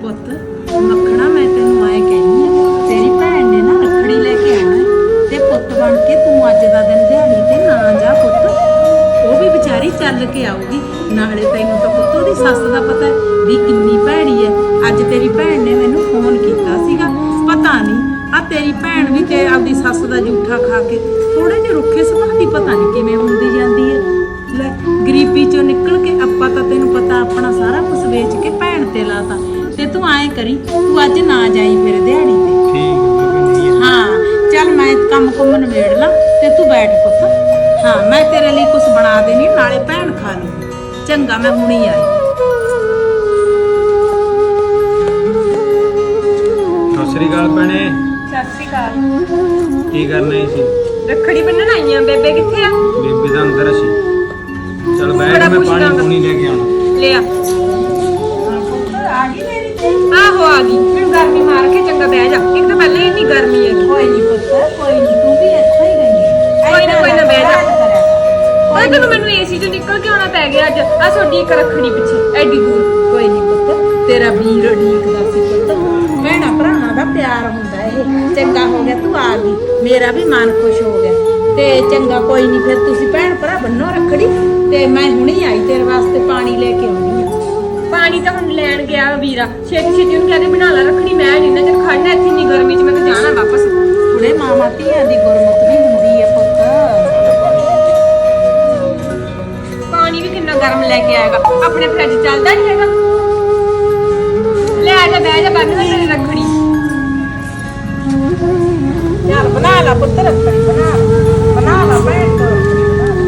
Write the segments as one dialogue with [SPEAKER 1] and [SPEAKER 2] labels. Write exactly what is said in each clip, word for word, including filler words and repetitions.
[SPEAKER 1] ਪੁੱਤ ਮੱਖਣਾ ਮੈਂ ਤੈਨੂੰ ਆਏ ਕਹਿੰਦੀ ਆ ਤੇਰੀ ਭੈਣ ਨੇ ਨਾ ਰੱਖੜੀ ਲੈ ਕੇ ਆਉਣਾ ਤੇ ਪੁੱਤ ਬਣ ਕੇ ਤੂੰ ਅੱਜ ਦਾ ਦਿਨ ਦਿਹਾੜੀ ਤੇ ਨਾ ਜਾ ਪੁੱਤ। ਉਹ ਵੀ ਵਿਚਾਰੀ ਚੱਲ ਕੇ ਆਊਗੀ, ਨਾਲੇ ਤੈਨੂੰ ਤਾਂ ਪੁੱਤ ਉਹਦੀ ਸੱਸ ਦਾ ਪਤਾ ਹੈ ਵੀ ਕਿੰਨੀ ਭੈੜੀ ਹੈ। ਅੱਜ ਤੇਰੀ ਭੈਣ ਨੇ ਮੈਨੂੰ ਫੋਨ ਕੀਤਾ ਸੀਗਾ, ਪਤਾ ਨਹੀਂ ਆ ਤੇਰੀ ਭੈਣ ਵੀ ਤੇ ਆਪਦੀ ਸੱਸ ਦਾ ਜੂਠਾ ਖਾ ਕੇ ਥੋੜੇ ਜਿਹੇ ਰੁੱਖੇ ਸੁਭਾਅ ਦੀ ਪਤਾ ਨਹੀਂ ਕਿਵੇਂ ਹੁੰਦੀ ਜਾਂਦੀ ਹੈ। ਲੈ ਗਰੀਬੀ ਚੋਂ ਨਿਕਲ ਕੇ ਆਪਾਂ ਤਾਂ ਤੈਨੂੰ ਪਤਾ ਆਪਣਾ ਸਾਰਾ ਕੁਝ ਵੇਚ ਕੇ ਭੈਣ ਤੇ ਲਾਤਾ ਤੇ ਤੂੰ ਐਂ ਕਰੀ ਤੂੰ ਅੱਜ ਨਾ ਜਾਈ ਫਿਰ ਦਿਹਾੜੀ ਤੇ।
[SPEAKER 2] ਠੀਕ
[SPEAKER 1] ਹਾਂ ਚੱਲ ਮੈਂ ਕੰਮ ਕੁੰਮ ਨਿਬੇੜ ਲਾਂ ਤੇ ਤੂੰ ਬੈਠ ਪੁੱਤ। ਹਾਂ ਮੈਂ ਤੇਰੇ ਲਈ ਕੁਝ ਬਣਾ ਦੇਣੀ ਨਾਲੇ ਭੈਣ ਖਾ ਲਈ। ਚੰਗਾ ਮੈਂ ਹੁਣੀ ਆਈ।
[SPEAKER 2] ਸਤਿ ਸ੍ਰੀ ਅਕਾਲ ਭੈਣੇ।
[SPEAKER 3] ਸਤਿ ਸ਼੍ਰੀ ਅਕਾਲ।
[SPEAKER 2] ਕੀ ਕਰਨਾ ਸੀ?
[SPEAKER 3] ਰੱਖੜੀ ਬੰਨਣ ਆਈਆਂ। ਬੇਬੇ ਕਿੱਥੇ ਆ?
[SPEAKER 2] ਬੇਬੇ ਦਾ ਅੰਦਰ ਸੀ। ਚਲ ਬੈਠ ਮੈਂ ਪਾਣੀ ਪੂਣੀ ਲੈ ਕੇ ਆਉਣਾ।
[SPEAKER 3] ਲੈ ਆ।
[SPEAKER 1] ਪੁੱਤ ਆ ਗਈ ਮੇਰੀ ਤੇ।
[SPEAKER 3] ਆਹੋ ਆ ਗਈ। ਮੈਨੂੰ ਗਰਮੀ ਮਾਰ ਕੇ ਚੰਗਾ ਬਹਿ ਜਾ। ਇੱਕ ਤਾਂ ਪਹਿਲੇ ਇੰਨੀ ਗਰਮੀ ਹੈ।
[SPEAKER 1] ਕੋਈ ਨਹੀਂ ਪੁੱਤ ਕੋਈ ਨਹੀਂ, ਤੂੰ ਵੀ ਇੱਥੇ ਹੀ ਗਈ ਹੈ।
[SPEAKER 3] ਕੋਈ ਨਾ ਕੋਈ ਨਾ ਬਹਿ ਜਾ।
[SPEAKER 1] ਕੋਈ
[SPEAKER 3] ਓਏ ਤੈਨੂੰ ਮੈਨੂੰ ਏਸੀ ਚੋਂ ਨਿਕਲ ਕੇ ਆਉਣਾ ਪੈ ਗਿਆ ਅੱਜ। ਆ ਤੁਹਾਡੀ ਇੱਕ ਰੱਖੜੀ ਪਿੱਛੇ ਐਡੀ ਦੂਰ।
[SPEAKER 1] ਕੋਈ ਨਹੀਂ ਪੁੱਤ ਤੇਰਾ ਵੀਰ ਢੀਕਦਾ ਸੀ ਪੁੱਤ। ਭੈਣਾਂ ਭਰਾਵਾਂ ਦਾ ਪਿਆਰ ਹੁੰਦਾ ਇਹ। ਚੰਗਾ ਹੋ ਗਿਆ ਤੂੰ ਆ ਗਈ, ਮੇਰਾ ਵੀ ਮਨ ਖੁਸ਼ ਹੋ ਗਿਆ। ਤੇ ਚੰਗਾ ਕੋਈ ਨਹੀਂ ਫਿਰ ਤੁਸੀਂ ਭੈਣ ਭਰਾ ਬੰਨੋ ਰੱਖੜੀ ਤੇ ਮੈਂ ਹੁਣੇ ਆਈ ਤੇਰੇ ਵਾਸਤੇ ਪਾਣੀ ਲੈ ਕੇ ਆਉਣੀ ਆ।
[SPEAKER 3] ਪਾਣੀ ਤਾਂ ਹੁਣ ਲੈਣ ਗਿਆ ਵੀਰਾ। ਛੇਤੀ ਛੇਤੀ ਉਹਨੂੰ ਕਹਿੰਦੇ ਬਣਾ ਲੈ ਰੱਖੜੀ। ਮੈਂ ਜਿੰਨਾ ਚਿਰ ਖੜਨਾ ਇੱਥੇ ਇੰਨੀ ਗਰਮੀ 'ਚ ਮੈਂ ਤਾਂ ਜਾਣਾ ਵਾਪਸ।
[SPEAKER 1] ਥੋੜੇ ਮਾਮਾ ਧੀਆਂ ਦੀ ਗੁਰਮਤ ਵੀ ਹੁੰਦੀ ਹੈ ਪੁੱਤ।
[SPEAKER 3] ਪਾਣੀ ਵੀ ਕਿੰਨਾ ਗਰਮ ਲੈ ਕੇ ਆਏਗਾ। ਆਪਣੇ ਫਰਿੱਜ ਚੱਲਦਾ ਨਹੀਂ ਹੈਗਾ। ਲੈ ਆ ਜਾ ਬਹਿ ਜਾ ਬੰਨ ਲੈ ਮੇਰੀ ਰੱਖੜੀ।
[SPEAKER 1] ਚੱਲ ਬਣਾ ਲਾ ਪੁੱਤ ਰੱਖੜੀ ਬਣਾ ਲਾ ਬਣਾ ਲਾ ਭੈਣ ਤੋਂ ਰੱਖੜੀ ਬਣਾ ਲਾ।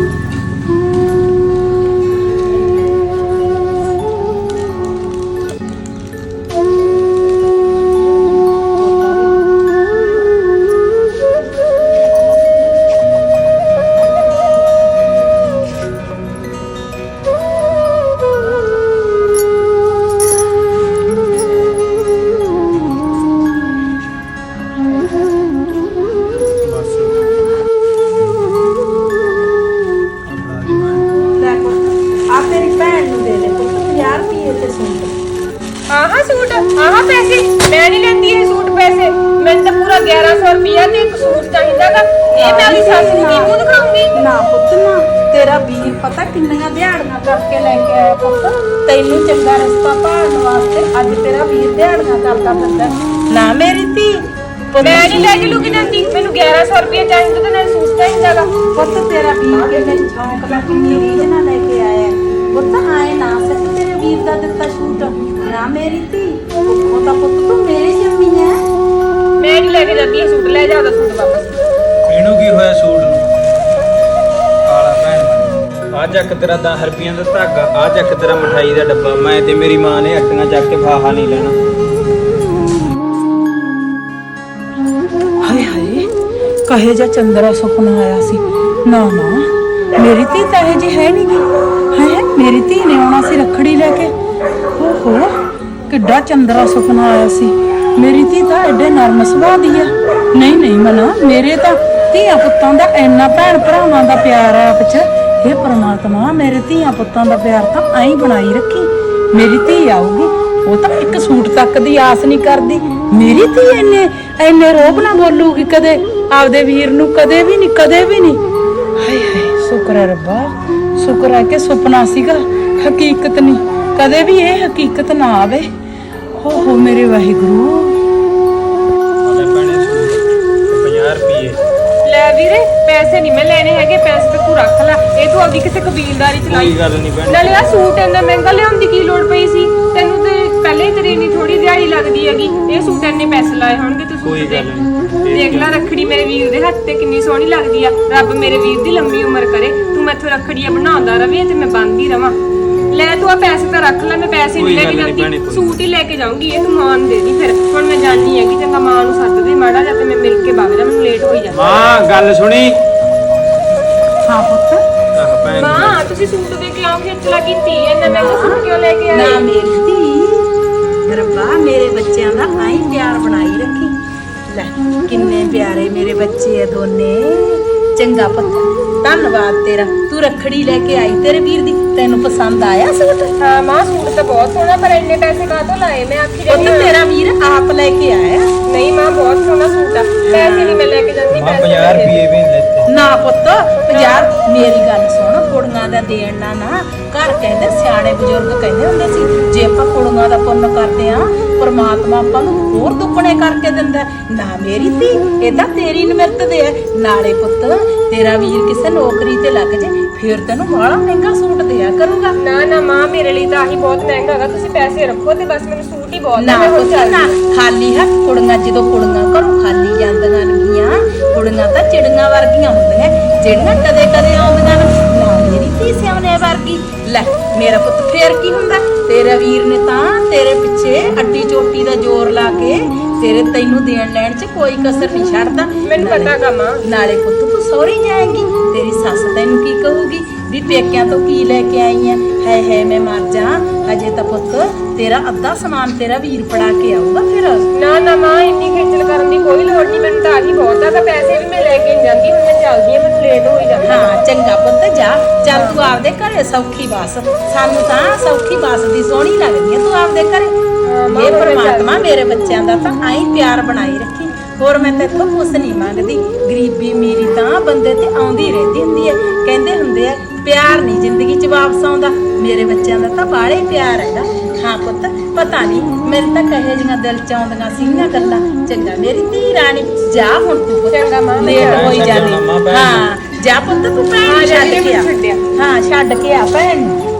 [SPEAKER 1] ਲੈ ਪੁੱਤ ਆ ਤੇਰੀ ਭੈਣ ਨੂੰ ਦੇ ਦੇ ਪੁੱਤ ਪੰਜਾਹ ਰੁਪਏ ਤੇ ਸੂਟ।
[SPEAKER 3] ਆਹਾ ਸੂਟ ਆਹਾ ਪੈਸੇ ਮੈਂ ਨਹੀਂ ਲੈਂਦੀ ਇਹ ਸੂਟ ਪੈਸੇ। ਮੈਨੂੰ ਤਾਂ ਪੂਰਾ ਗਿਆਰਾਂ ਸੌ ਰੁਪਇਆ ਤੇ ਇੱਕ ਸੂਟ ਚਾਹੀਦਾਗਾ। ਇਹ ਮੈਂ ਆਪਣੀ ਸੱਸ ਨੂੰ ਕੀ ਮੂੰਹ ਦਿਖਾਉਂਗੀ?
[SPEAKER 1] ਨਾ ਪੁੱਤ ਨਾ, ਤੇਰਾ ਵੀਰ ਪਤਾ ਕਿੰਨੀਆਂ ਦਿਹਾੜੀਆਂ ਕਰਕੇ ਲੈ ਕੇ ਆਇਆ ਪੁੱਤ। ਤੈਨੂੰ ਚੰਗਾ ਰਸਤਾ ਭਾਲਣ ਵਾਸਤੇ ਅੱਜ ਤੇਰਾ ਵੀਰ ਦਿਹਾੜੀਆਂ ਕਰਦਾ ਫਿਰਦਾ। ਨਾ ਮੇਰੀ ਧੀ ਪੁੱਤ
[SPEAKER 3] ਮੈਂ ਨਹੀਂ ਲੈ ਕੇ ਲੁਕ ਜਾਂਦੀ। ਮੈਨੂੰ ਗਿਆਰਾਂ ਸੌ ਰੁਪਇਆ ਚਾਹੀਦਾ ਤੇ ਨਾਲ ਸੂਟ ਚਾਹੀਦਾਗਾ।
[SPEAKER 1] ਪੁੱਤ ਤੇਰਾ ਵੀਰ ਕਿੰਨੇ ਸ਼ੌਂਕ ਦਾ ਕਿੰਨੀ ਰੀਝ ਨਾਲ ਲੈ ਕੇ ਆਇਆ ਪੁੱਤ। ਆਏ ਨਾ ਸਕ ਤੇਰੇ ਵੀਰ ਦਾ ਦਿੱਤਾ ਸੂਟ। ਨਾ ਮੇਰੀ ਧੀ ਉਹ ਤਾਂ ਪੁੱਤ ਤੂੰ ਮੇਰੀ ਜੰਮੀ ਹੈ।
[SPEAKER 3] ਮੈਂ ਨਹੀਂ ਲੈ ਕੇ ਜਾਂਦੀ ਇਹ ਸੂਟ। ਲੈ ਜਾ ਉਹਦਾ ਸੂਟ ਵਾਪਸ।
[SPEAKER 2] ਇਹਨੂੰ ਕੀ ਹੋਇਆ ਸੂਟ ਨੂੰ? ਕਾਲਾ ਭੈਣ ਆ ਚੱਕ ਤੇਰਾ ਦਸ ਰੁਪਈਆਂ ਦਾ ਧਾਗਾ, ਆ ਚੱਕ ਤੇਰਾ ਮਠਾਈ ਦਾ ਡੱਬਾ। ਮੈਂ ਤੇ ਮੇਰੀ ਮਾਂ ਨੇ ਅੱਟੀਆਂ ਚੱਕ ਕੇ ਫਾਹਾ ਨਹੀਂ ਲੈਣਾ।
[SPEAKER 1] ਹਾਏ ਹਾਏ ਕਹੇ ਜਾ ਚੰਦਰਾ ਸੁਪਨਾ ਆਇਆ ਸੀ। ਨਾ ਨਾ ਮੇਰੀ ਧੀ ਤਾਂ ਇਹ ਜੀ ਹੈ ਨਹੀਂ ਗੀ। ਹੈ ਮੇਰੀ ਧੀ ਨੇ ਆਉਣਾ ਸੀ ਰੱਖੜੀ ਲੈ ਕੇ। ਓਹੋ ਕਿੱਡਾ ਚੰਦਰਾ ਸੁਪਨਾ ਆਇਆ ਸੀ। ਮੇਰੀ ਧੀ ਤਾਂ ਐਡੇ ਨਰਮ ਸੁਭਾਅ ਦੀ ਆ। ਨਹੀਂ ਨਹੀਂ ਮਨਾ ਮੇਰੇ ਤਾਂ ਧੀਆਂ ਪੁੱਤਾਂ ਦਾ ਇੰਨਾ ਭੈਣ ਭਰਾਵਾਂ ਦਾ ਪਿਆਰ ਆ ਆਪਸ 'ਚ। ਇਹ ਪ੍ਰਮਾਤਮਾ ਮੇਰੇ ਧੀਆਂ ਪੁੱਤਾਂ ਦਾ ਪਿਆਰ ਤਾਂ ਐਂ ਹੀ ਬਣਾਈ ਰੱਖੀ। ਮੇਰੀ ਧੀ ਆਊਗੀ ਉਹ ਤਾਂ ਇੱਕ ਸੂਟ ਤੱਕ ਦੀ ਆਸ ਨਹੀਂ ਕਰਦੀ। ਮੇਰੀ ਧੀ ਇੰਨੇ ਇੰਨੇ ਰੋਬ ਨਾ ਬੋਲੂਗੀ ਕਦੇ ਆਪਦੇ ਵੀਰ ਨੂੰ, ਕਦੇ ਵੀ ਨਹੀਂ ਕਦੇ ਵੀ ਨਹੀਂ। ਹਾਏ ਹਾਏ ਸ਼ੁਕਰ ਹੈ ਰੱਬਾ, ਸ਼ੁਕਰ ਹੈ ਕਿ ਸੁਪਨਾ ਸੀਗਾ ਹਕੀਕਤ ਨਹੀਂ। ਕਦੇ ਵੀ ਇਹ ਹਕੀਕਤ ਨਾ ਆਵੇ। ਹੋ ਹੋ ਮੇਰੇ ਵਾਹਿਗੁਰੂ।
[SPEAKER 2] ਆਲੇ ਭੈਣੇ ਸੂਟ ਪੰਜਾਹ ਰੁਪਏ।
[SPEAKER 3] ਲੈ ਵੀਰੇ ਪੈਸੇ ਨਹੀਂ ਮੈਂ ਲੈਣੇ ਹੈਗੇ। ਪੈਸੇ ਤੇ ਤੂੰ ਰੱਖ ਲੈ। ਇਹ ਤੂੰ ਆਪਦੀ ਕਿਸੇ ਕਬੀਲਦਾਰੀ ਚ ਲਾਈ।
[SPEAKER 2] ਕੋਈ ਗੱਲ ਨਹੀਂ ਭੈਣੇ।
[SPEAKER 3] ਨਾਲੇ ਆ ਸੂਟ ਇੰਨਾ ਮਹਿੰਗਾ ਲਿਆਉਣ ਦੀ ਕੀ ਲੋੜ ਪਈ ਸੀ ਤੈਨੂੰ? ਤੇ ਪਹਿਲੇ ਹੀ ਤੇਰੀ ਇੰਨੀ ਥੋੜੀ ਦਿਹਾੜੀ ਲੱਗਦੀ ਹੈਗੀ। ਇਹ ਸੂਟ ਇੰਨੇ ਪੈਸੇ ਲਾਏ ਹੋਣਗੇ ਤੂੰ
[SPEAKER 2] ਕੋਈ
[SPEAKER 3] ਸੂਟ
[SPEAKER 2] ਗੱਲ
[SPEAKER 3] ਦੇ।
[SPEAKER 2] ਨਹੀਂ।
[SPEAKER 3] ਦੇਖ ਲੈ ਰੱਖੜੀ ਮੇਰੇ ਵੀਰ ਦੇ ਹੱਥ ਤੇ ਕਿੰਨੀ ਸੋਹਣੀ ਲੱਗਦੀ ਆ। ਰੱਬ ਮੇਰੇ ਵੀਰ ਦੀ ਲੰਮੀ ਉਮਰ ਕਰੇ। ਤੂੰ ਮੈਥੋਂ ਰੱਖੜੀਆਂ ਬਣਾਉਂਦਾ ਰਵੇਂ ਤੇ ਮੈਂ ਬੰਨ੍ਹਦੀ ਰਵਾਂ। ਲੈ ਤੂੰ ਆ ਪੈਸੇ ਤਾਂ ਰੱਖ ਲੈ। ਮੈਂ ਪੈਸੇ ਨਹੀਂ ਲੈ ਕੇ ਜਾਂਦੀ, ਸੂਟ ਹੀ ਲੈ ਕੇ ਜਾਊਂਗੀ। ਇਹ ਤੂੰ ਮਾਂ ਨੂੰ ਦੇ ਦੀ। ਫਿਰ ਹੁਣ ਮੈਂ ਜਾਣੀ ਹੈਗੀ। ਚੰਗਾ ਮਾਂ ਨੂੰ ਸੱਦ ਦੇ ਮਾੜਾ ਜਿਹਾ ਤੇ ਮੈਂ ਮਿਲ ਕੇ ਵਗ ਜਾ। ਮੈਨੂੰ ਲੇਟ ਹੋਈ ਜਾਂਦਾ।
[SPEAKER 2] ਮਾਂ ਗੱਲ ਸੁਣੀ।
[SPEAKER 1] ਹਾਂ ਪੁੱਤ
[SPEAKER 2] ਆਹ ਭੈਣ
[SPEAKER 3] ਮਾਂ ਤੁਸੀਂ ਸੂਟ ਦੇ ਕੇ ਆਓ ਖੇਚਲਾ ਕੀਤੀ। ਇੰਨਾ ਮਹਿੰਗਾ ਸੂਟ ਕਿਉਂ ਲੈ ਕੇ ਆਏ?
[SPEAKER 1] ਨਾ ਮੇਰੀ ਧੀ ਰੱਬਾ ਮੇਰੇ ਬੱਚਿਆਂ ਦਾ ਆਈ ਪਿਆਰ ਬਣਾਈ ਰੱਖੀ। ਲੈ ਕਿੰਨੇ ਪਿਆਰੇ ਮੇਰੇ ਬੱਚੇ ਆ ਦੋਨੇ। ਚੰਗਾ ਪੁੱਤ ਧੰਨਵਾਦ ਤੇਰਾ। ਤੂੰ ਰੱਖੜੀ ਲੈ ਕੇ ਆਈ ਤੇਰੇ ਵੀਰ ਦੀ। ਤੈਨੂੰ ਪਸੰਦ ਆਇਆ ਸੂਟ?
[SPEAKER 3] ਹਾਂ ਮਾਂ ਸੂਟ ਤਾਂ ਬਹੁਤ ਸੋਹਣਾ ਪਰ ਇੰਨੇ ਪੈਸੇ ਕਾਹਤੋਂ ਲਾਏ? ਮੈਂ ਆਖੀ
[SPEAKER 1] ਪੁੱਤ
[SPEAKER 3] ਰਹੀ
[SPEAKER 1] ਲੈ ਕੇ ਆਇਆ।
[SPEAKER 3] ਨਹੀਂ ਮਾਂ ਬਹੁਤ ਸੋਹਣਾ ਸੂਟ ਆ ਪੈਸੇ ਨਹੀਂ ਮੈਂ ਲੈ ਕੇ ਜਾਂਦੀ
[SPEAKER 2] ਮਾਂ
[SPEAKER 3] ਪੈਸੇ
[SPEAKER 2] ਪੰਜਾਹ
[SPEAKER 3] ਦੇ ਦੇ।
[SPEAKER 2] ਰੁਪਏ ਵੀ ਨੀ ਲੈਤੇ।
[SPEAKER 1] ਨਾ ਪੁੱਤ ਪੰਜਾਹ ਮੇਰੀ ਗੱਲ ਸੁਣ, ਕੁੜੀਆਂ ਦਾ ਦੇਣ ਨਾ ਨਾ ਘਰ ਕਹਿੰਦੇ ਸਿਆਣੇ ਬਜ਼ੁਰਗ ਕਹਿੰਦੇ ਹੁੰਦੇ ਸੀ ਜੇ ਆਪਾਂ ਕੁੜੀਆਂ ਦਾ ਪੁੰਨ ਕਰਦੇ ਆ ਪਰਮਾਤਮਾ ਆਪਾਂ ਨੂੰ ਹੋਰ ਦੁੱਗਣੇ ਕਰਕੇ ਦਿੰਦਾ। ਨਾ ਮੇਰੀ ਧੀ ਇਹ ਤਾਂ ਤੇਰੀ ਨਿਮਰਤ ਦੇ ਹੈ। ਨਾਲੇ ਪੁੱਤ ਤੇਰਾ ਵੀਰ ਕਿਸੇ ਨੌਕਰੀ ਤੇ ਲੱਗ ਜੇ ਫਿਰ ਤੈਨੂੰ ਬਾਹਲਾ ਮਹਿੰਗਾ ਸੂਟ ਦਿਆ ਕਰੂਗਾ।
[SPEAKER 3] ਨਾ ਨਾ ਮਾਂ ਮੇਰੇ ਲਈ ਤਾਂ ਆਹੀ ਬਹੁਤ ਮਹਿੰਗਾ ਹੈਗਾ ਤੁਸੀਂ ਪੈਸੇ ਰੱਖੋ ਤੇ ਬਸ ਮੈਨੂੰ ਸੂਟ ਹੀ ਬਹੁਤ
[SPEAKER 1] ਨਾ
[SPEAKER 3] ਆ, ਮੈਂ ਹੁਣ
[SPEAKER 1] ਪੁੱਤ
[SPEAKER 3] ਚੱਲਦੀ
[SPEAKER 1] ਨਾ
[SPEAKER 3] ਹਾਂ।
[SPEAKER 1] ਖਾਲੀ ਹੱਥ ਕੁੜੀਆਂ ਜਦੋਂ ਕੁੜੀਆਂ ਘਰੋਂ ਖਾਲੀ ਜਾਂਦੀਆਂ ਨੇਗੀਆਂ ਕੁੜੀਆਂ ਤਾਂ ਚਿੜੀਆਂ ਵਰਗੀਆਂ ਹੁੰਦੀਆਂ ਜਿਹੜੀਆਂ ਕਦੇ ਕਦੇ ਆਉਂਦੀਆਂ ਨੇ। ਨਾ ਮੇਰੀ ਧੀ ਸਿਆਉਣੇ ਵਰਗੀ ਲੈ ਮੇਰਾ ਪੁੱਤ ਫੇਰ ਕੀ ਹੁੰਦਾ ਤੇਰਾ ਵੀਰ ਨੇ ਤਾਂ ਤੇਰੇ ਪਿੱਛੇ ਅੱਡੀ ਚੋਟੀ ਦਾ ਜ਼ੋਰ ਲਾ ਕੇ ਤੇਰੇ ਤੈਨੂੰ ਦੇਣ ਲੈਣ 'ਚ ਕੋਈ ਕਸਰ ਨਹੀਂ ਛੱਡਦਾ।
[SPEAKER 3] ਮੈਨੂੰ
[SPEAKER 1] ਨਾਲੇ-
[SPEAKER 3] ਪਤਾ ਗਾ ਮਾਂ।
[SPEAKER 1] ਨਾਲੇ ਪੁੱਤ ਤੂੰ ਸਹੁਰੀ ਜਾਏਂਗੀ ਤੇਰੀ ਸੱਸ ਤੈਨੂੰ ਕੀ ਕਹੂਗੀ ਵੀ ਪੇਕਿਆਂ ਤੋਂ ਕੀ ਲੈ ਕੇ ਆਈ ਐ ਹੈ ਹੈ ਮੈਂ ਮਰ ਜਾ। ਹਜੇ ਤਾਂ ਪੁੱਤ ਤੇਰਾ ਅੱਧਾ ਸਮਾਨ ਤੇਰਾ ਵੀਰ ਫੜਾ ਕੇ ਆਊਗਾ ਫਿਰ।
[SPEAKER 3] ਨਾ ਨਾ ਮਾਂ ਇੰਨੀ ਖੇਚਲ ਕਰਨ ਦੀ ਕੋਈ ਲੋੜ ਨਹੀਂ ਮੈਨੂੰ ਤਾਂ ਆਹੀ ਬਹੁਤ ਆ ਤਾਂ ਪੈਸੇ ਵੀ ਮੈਂ ਲੈ ਕੇ ਨਹੀਂ ਜਾਂਦੀ ਹੁਣ ਮੈਂ ਚੱਲਦੀ ਹਾਂ ਮੈਨੂੰ ਲੇਟ ਹੋਈ ਜਾਂਦਾ।
[SPEAKER 1] ਹਾਂ ਚੰਗਾ ਪੁੱਤ ਜਾ ਚੱਲ ਤੂੰ ਆਪਦੇ ਘਰੇ ਸੌਖੀ ਬਸ ਸਾਨੂੰ ਤਾਂ ਸੌਖੀ ਬਸ ਦੀ ਸੋਹਣੀ ਲੱਗਦੀ ਐ ਤੂੰ ਆਪਦੇ ਘਰੇ।
[SPEAKER 3] ਮਾਂ,
[SPEAKER 1] ਇਹ
[SPEAKER 3] ਹੁਣ ਮੈਂ
[SPEAKER 1] ਪਰਮਾਤਮਾ ਮੇਰੇ ਬੱਚਿਆਂ ਦਾ ਤਾਂ ਆਈ ਪਿਆਰ ਬਣਾਈ ਰੱਖੀ ਹੋਰ ਮੈਂ ਤੇਥੋਂ ਕੁਛ ਨਹੀਂ ਮੰਗਦੀ। ਗਰੀਬੀ ਮੇਰੀ ਤਾਂ ਬੰਦੇ ਤੇ ਆਉਂਦੀ ਰਹਿੰਦੀ ਹੁੰਦੀ ਐ ਕਹਿੰਦੇ ਹੁੰਦੇ ਆ ਪਿਆਰ ਨਹੀਂ ਜ਼ਿੰਦਗੀ 'ਚ ਵਾਪਸ ਆਉਂਦਾ ਮੇਰੇ ਬੱਚਿਆਂ ਦਾ ਤਾਂ ਬਾਹਲੇ ਪਿਆਰ ਹੈਗਾ। ਹਾਂ ਪੁੱਤ ਪਤਾ ਨਹੀਂ ਮੇਰੇ ਤਾਂ ਕਹੇ ਜੀਆਂ ਦਿਲ 'ਚ ਆਉਂਦੀਆਂ ਸੀਗੀਆਂ ਗੱਲਾਂ। ਚੰਗਾ ਮੇਰੀ ਧੀ ਰਾਣੀ ਜਾ ਹੁਣ ਤੂੰ ਪੁੱਤ
[SPEAKER 3] ਚੰਗਾ ਮਾਂ, ਮੈਂ
[SPEAKER 1] ਲੇਟ
[SPEAKER 3] ਜਾਣਾ।
[SPEAKER 1] ਹੋਈ
[SPEAKER 2] ਛੱਡਣਾ
[SPEAKER 1] ਜਾਂਦੀ
[SPEAKER 2] ਮਾਂ ਭੈਣ ਨੂੰ।
[SPEAKER 1] ਹਾਂ ਜਾ ਪੁੱਤ ਤੂੰ ਭੈਣ
[SPEAKER 3] ਹਾਂ,
[SPEAKER 1] ਨੂੰ
[SPEAKER 3] ਜਾ
[SPEAKER 1] ਛੱਡ
[SPEAKER 3] ਕੇ
[SPEAKER 1] ਕੇ ਆ
[SPEAKER 3] ਮੈਨੂੰ ਛੱਡਿਆ।
[SPEAKER 1] ਹਾਂ ਛੱਡ ਕੇ ਆ ਭੈਣ ਨੂੰ।